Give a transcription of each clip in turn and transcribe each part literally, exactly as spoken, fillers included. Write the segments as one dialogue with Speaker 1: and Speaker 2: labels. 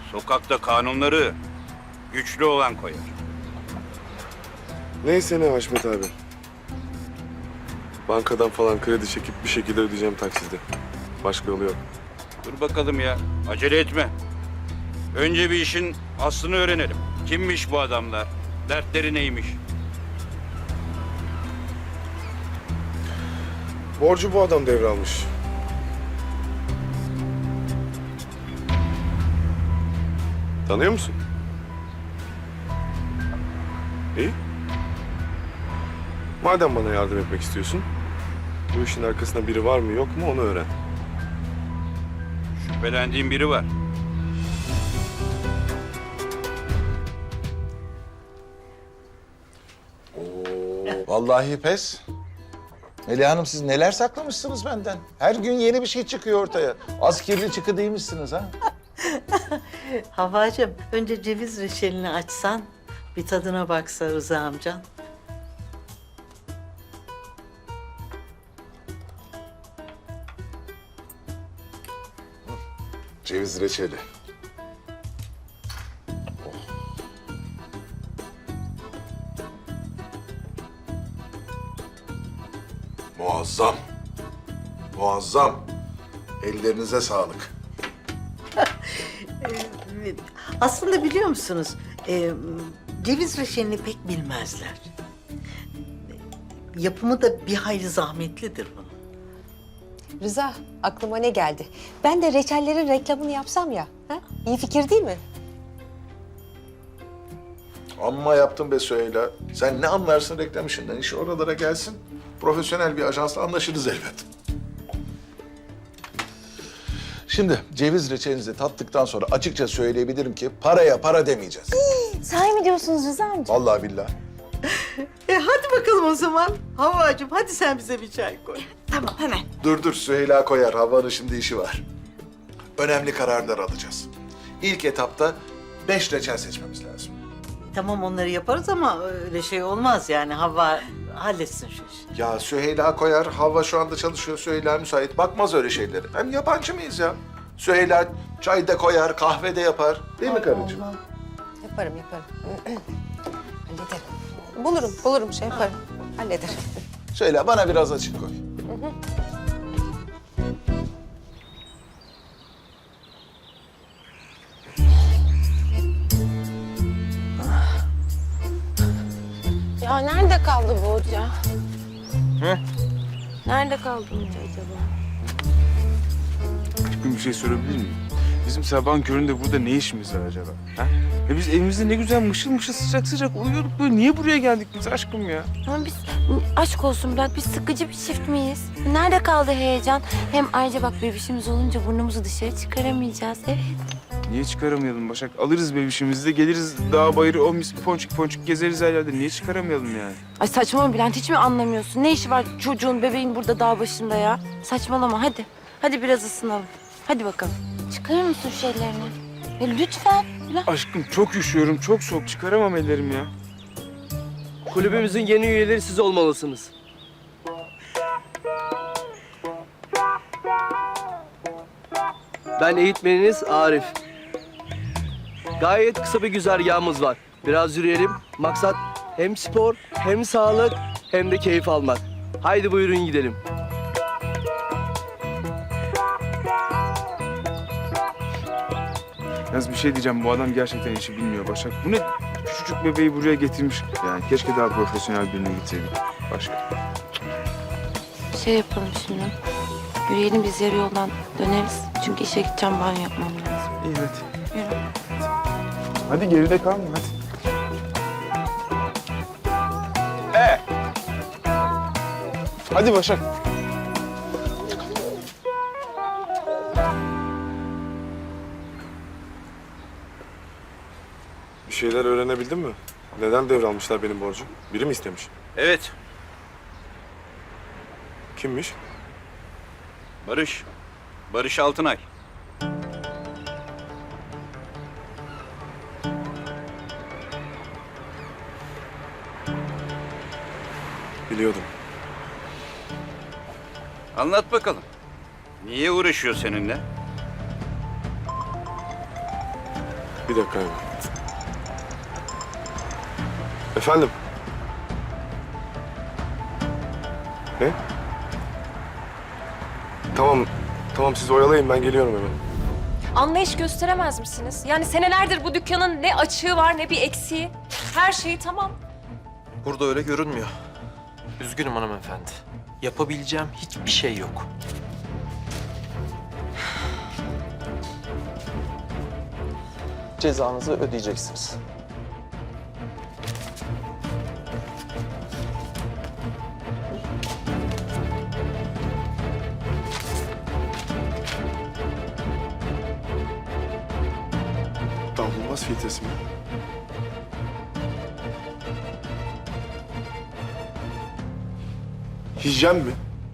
Speaker 1: Sokakta kanunları güçlü olan koyar.
Speaker 2: Neyse ne Haşmet abi. Bankadan falan kredi çekip bir şekilde ödeyeceğim takside. Başka yolu yok.
Speaker 1: Dur bakalım ya, acele etme. Önce bir işin aslını öğrenelim. Kimmiş bu adamlar? Dertleri neymiş?
Speaker 2: Borcu bu adam devralmış. Tanıyor musun? İyi. Madem bana yardım etmek istiyorsun, bu işin arkasında biri var mı yok mu onu öğren.
Speaker 1: Şüphelendiğim biri var.
Speaker 3: Vallahi pes. Melih Hanım siz neler saklamışsınız benden? Her gün yeni bir şey çıkıyor ortaya. Az kirli çıkı değilmişsiniz ha.
Speaker 4: Havacığım, önce ceviz reçelini açsan, bir tadına baksa Rıza amcan.
Speaker 3: Ceviz reçeli. Muazzam. Muazzam. Ellerinize sağlık.
Speaker 4: Aslında biliyor musunuz, e, ceviz reçelini pek bilmezler. Yapımı da bir hayli zahmetlidir bunun.
Speaker 5: Rıza, aklıma ne geldi? Ben de reçellerin reklamını yapsam ya. Ha? İyi fikir değil mi?
Speaker 3: Amma yaptın be Süheyla. Sen ne anlarsın reklam işinden? İş oralara gelsin. Profesyonel bir ajansla anlaşırız elbet. Şimdi ceviz reçelinizi tattıktan sonra açıkça söyleyebilirim ki paraya para demeyeceğiz.
Speaker 5: Sahi mi diyorsunuz Rıza amca?
Speaker 3: Vallahi billahi.
Speaker 4: E hadi bakalım o zaman. Havacığım, hadi sen bize bir çay koy.
Speaker 5: Tamam, hemen.
Speaker 3: Dur dur Süheyla koyar. Havanın şimdi işi var. Önemli kararlar alacağız. İlk etapta beş reçel seçmemiz lazım.
Speaker 4: Tamam, onları yaparız ama öyle şey olmaz yani. Hava halletsin şu işi.
Speaker 3: Ya Süheyla koyar. Hava şu anda çalışıyor. Süheyla müsait. Bakmaz öyle şeylere. Hem yabancı mıyız ya? Süheyla çay da koyar, kahve de yapar. Değil mi karıcığım?
Speaker 5: Yaparım, yaparım. Hallederim. Bulurum, bulurum şey yaparım. Hallederim.
Speaker 3: Süheyla bana biraz açık koy.
Speaker 6: Ya nerede kaldı bu hoca? Hı? Nerede kaldı bu hoca acaba?
Speaker 7: Bir şey sorabilir miyim? Bizim sabahın köründe burada ne işimiz var acaba? Ha? Ya biz evimizde ne güzel mışıl mışıl sıcak sıcak uyuyorduk böyle. Niye buraya geldik biz aşkım ya?
Speaker 6: Ama biz aşk olsun Bülent, biz sıkıcı bir çift miyiz? Nerede kaldı heyecan? Hem ayrıca bak bebişimiz olunca burnumuzu dışarı çıkaramayacağız. Evet.
Speaker 7: Niye çıkaramayalım Başak? Alırız bebişimizi de geliriz dağ bayırı o mis ponçik ponçik gezeriz her yerde. Niye çıkaramayalım yani?
Speaker 6: Ay saçmalama Bülent, hiç mi anlamıyorsun? Ne işi var çocuğun, bebeğin burada dağ başında ya? Saçmalama hadi. Hadi biraz ısınalım. Hadi bakalım. Çıkarır mısın şu ellerini? Ya lütfen Bülent.
Speaker 7: Aşkım çok üşüyorum, çok soğuk. Çıkaramam ellerim ya.
Speaker 8: Kulübümüzün yeni üyeleri siz olmalısınız. Ben eğitmeniniz Arif. Gayet kısa bir güzergahımız var. Biraz yürüyelim. Maksat hem spor, hem sağlık, hem de keyif almak. Haydi buyurun gidelim.
Speaker 7: Yalnız bir şey diyeceğim. Bu adam gerçekten işi bilmiyor Başak. Bu ne küçücük bebeği buraya getirmiş. Yani keşke daha profesyonel birine gitseydik. Başka.
Speaker 6: Şey yapalım şimdi. Yürüyelim, biz yarı yoldan döneriz. Çünkü işe gideceğim, banyo yapmam lazım.
Speaker 7: İyi hadi.
Speaker 6: Yürü.
Speaker 7: Hadi geride kalma hadi. Ee. Hadi Başak.
Speaker 2: Bir şeyler öğrenebildin mi? Neden devralmışlar benim borcu? Biri mi istemiş?
Speaker 1: Evet,
Speaker 2: Kimmiş?
Speaker 1: Barış. Barış Altınay.
Speaker 2: Biliyordum.
Speaker 1: Anlat bakalım. Niye uğraşıyor seninle?
Speaker 2: Bir dakika abi. Efendim? Ne? Tamam, tamam siz oyalayın ben geliyorum hemen.
Speaker 9: Anlayış gösteremez misiniz? Yani senelerdir bu dükkanın ne açığı var ne bir eksiği. Her şeyi tamam.
Speaker 10: Burada öyle görünmüyor. Üzgünüm hanımefendi. Yapabileceğim hiçbir şey yok. Cezanızı ödeyeceksiniz.
Speaker 2: Davulmaz filtresi mi? Hijyen mi?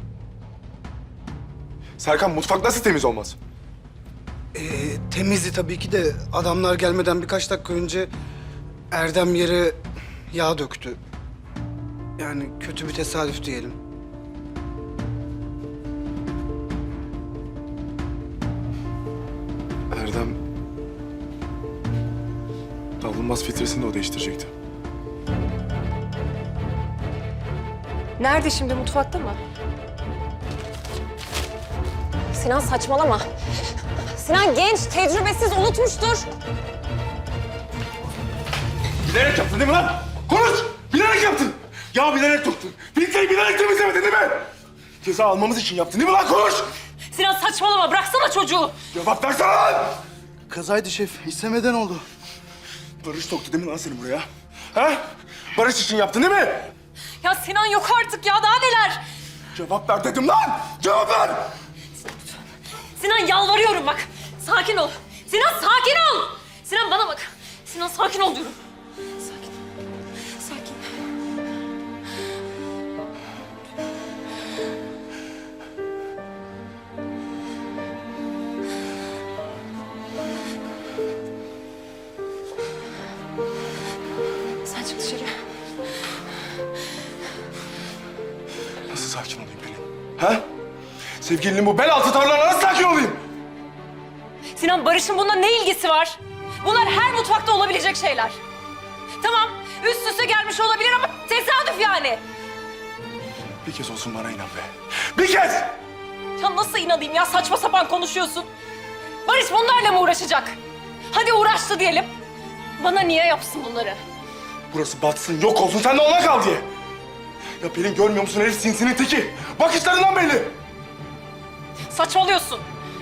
Speaker 2: Serkan mutfak nasıl temiz olmaz?
Speaker 11: Ee, temizdi tabii ki de adamlar gelmeden birkaç dakika önce Erdem yere yağ döktü. Yani kötü bir tesadüf diyelim.
Speaker 2: Erdem... Davulmaz filtresini de o değiştirecekti.
Speaker 9: Nerede şimdi, mutfakta mı? Sinan saçmalama. Sinan genç, tecrübesiz, unutmuştur.
Speaker 2: Bilerek yaptın değil mi lan? Konuş! Bilerek yaptın! Ya bilerek döktün. Filtreyi bilerek temizlemedin değil mi? Ceza almamız için yaptın değil mi lan? Konuş!
Speaker 9: Sinan saçmalama, bıraksana çocuğu.
Speaker 2: Cevap versene lan!
Speaker 11: Kazaydı şef, istemeden oldu.
Speaker 2: Barış soktu değil mi lan seni buraya? Ha? Barış için yaptın değil mi?
Speaker 9: Ya Sinan yok artık ya, daha neler?
Speaker 2: Cevap ver dedim lan! Cevap ver!
Speaker 9: Sinan yalvarıyorum bak. Sakin ol. Sinan sakin ol. Sinan bana bak. Sinan sakin ol diyorum. Sakin. Sakin. Sen çık dışarı.
Speaker 2: Nasıl sakin olayım Pelin? Ha? Sevgilinin bu bel altı tavırlarına nasıl sakin olayım?
Speaker 9: Sinan, Barış'ın bununla ne ilgisi var? Bunlar her mutfakta olabilecek şeyler. Tamam, üst üste gelmiş olabilir ama tesadüf yani.
Speaker 2: Bir kez olsun bana inan be. Bir kez!
Speaker 9: Ya nasıl inanayım ya, saçma sapan konuşuyorsun. Barış bunlarla mı uğraşacak? Hadi uğraştı diyelim. Bana niye yapsın bunları?
Speaker 2: Burası batsın, yok olsun, sen de ona kal diye. Ya Pelin görmüyor musun herif sinsinin teki? Bakışlarından belli.
Speaker 9: Saçmalıyorsun.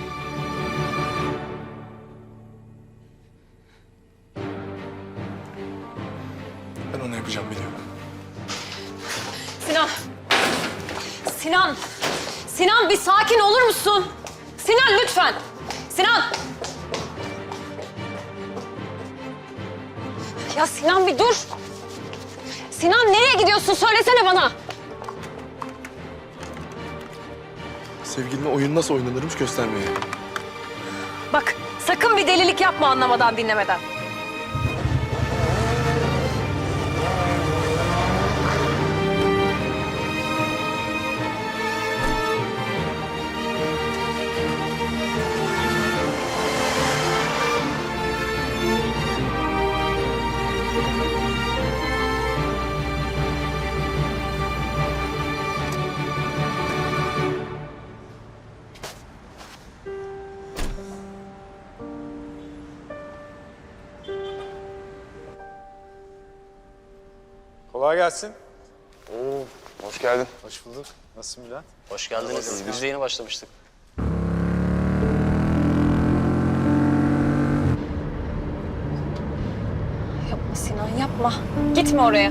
Speaker 2: Ben onu yapacağım biliyorum.
Speaker 9: Sinan. Sinan. Sinan bir sakin olur musun? Sinan lütfen. Sinan. Ya Sinan bir dur. Sinan nereye gidiyorsun? Söylesene bana.
Speaker 2: Sevgiline oyun nasıl oynanırmış göstermeye.
Speaker 9: Bak sakın bir delilik yapma anlamadan dinlemeden.
Speaker 12: Kolay gelsin.
Speaker 2: Oo, hoş geldin.
Speaker 12: Hoş bulduk. Nasılsın Bülent?
Speaker 10: Hoş geldiniz. Biz de yeni başlamıştık.
Speaker 9: Yapma Sinan yapma. Gitme oraya.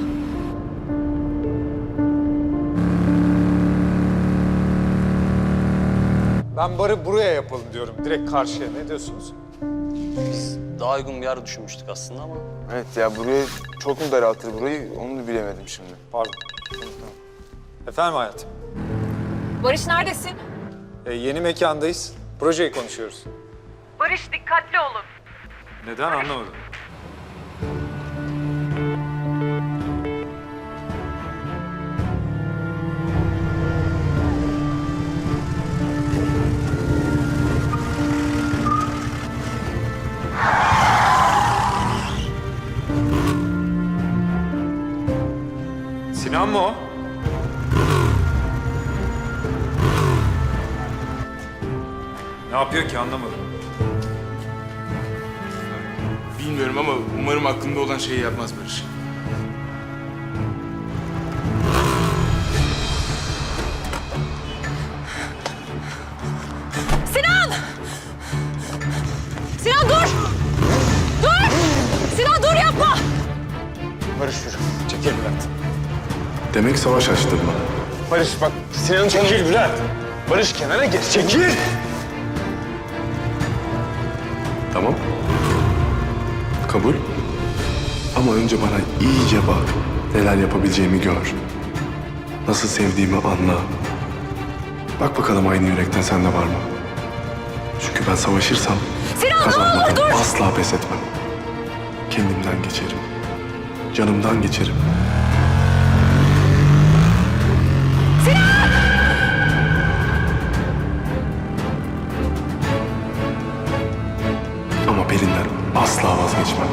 Speaker 12: Ben barı buraya yapalım diyorum. Direkt karşıya. Ne diyorsunuz?
Speaker 10: Daha uygun bir yer düşünmüştük aslında ama.
Speaker 7: Evet ya burayı çok mu daraltır burayı onu da bilemedim şimdi.
Speaker 12: Pardon. Efendim hayatım.
Speaker 9: Barış neredesin?
Speaker 12: Ee, yeni mekandayız. Projeyi konuşuyoruz.
Speaker 9: Barış dikkatli olun.
Speaker 12: Neden anlamadım. Sinan mı o? Ne yapıyor ki anlamadım.
Speaker 7: Bilmiyorum ama umarım aklında olan şeyi yapmaz Barış.
Speaker 9: Sinan! Sinan dur! Dur! Sinan dur yapma!
Speaker 12: Barış yürü. Çekil Bülent.
Speaker 7: Demek savaş açtın bana.
Speaker 12: Barış bak Sinan'ın çekil Bülent. Barış kenara geç. Çekil.
Speaker 7: Tamam. Kabul. Ama önce bana iyice bak. Neler yapabileceğimi gör. Nasıl sevdiğimi anla. Bak bakalım aynı yürekten sende var mı? Çünkü ben savaşırsam
Speaker 9: Sinan ne olur
Speaker 7: kazanmadan
Speaker 9: dur!
Speaker 7: asla pes etmem. Kendimden geçerim. Canımdan geçerim. Ama Pelin'den asla vazgeçmem.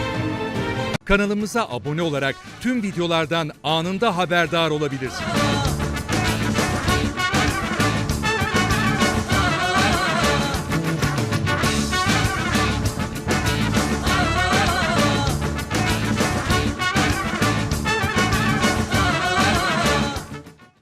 Speaker 13: Kanalımıza abone olarak tüm videolardan anında haberdar olabilirsiniz.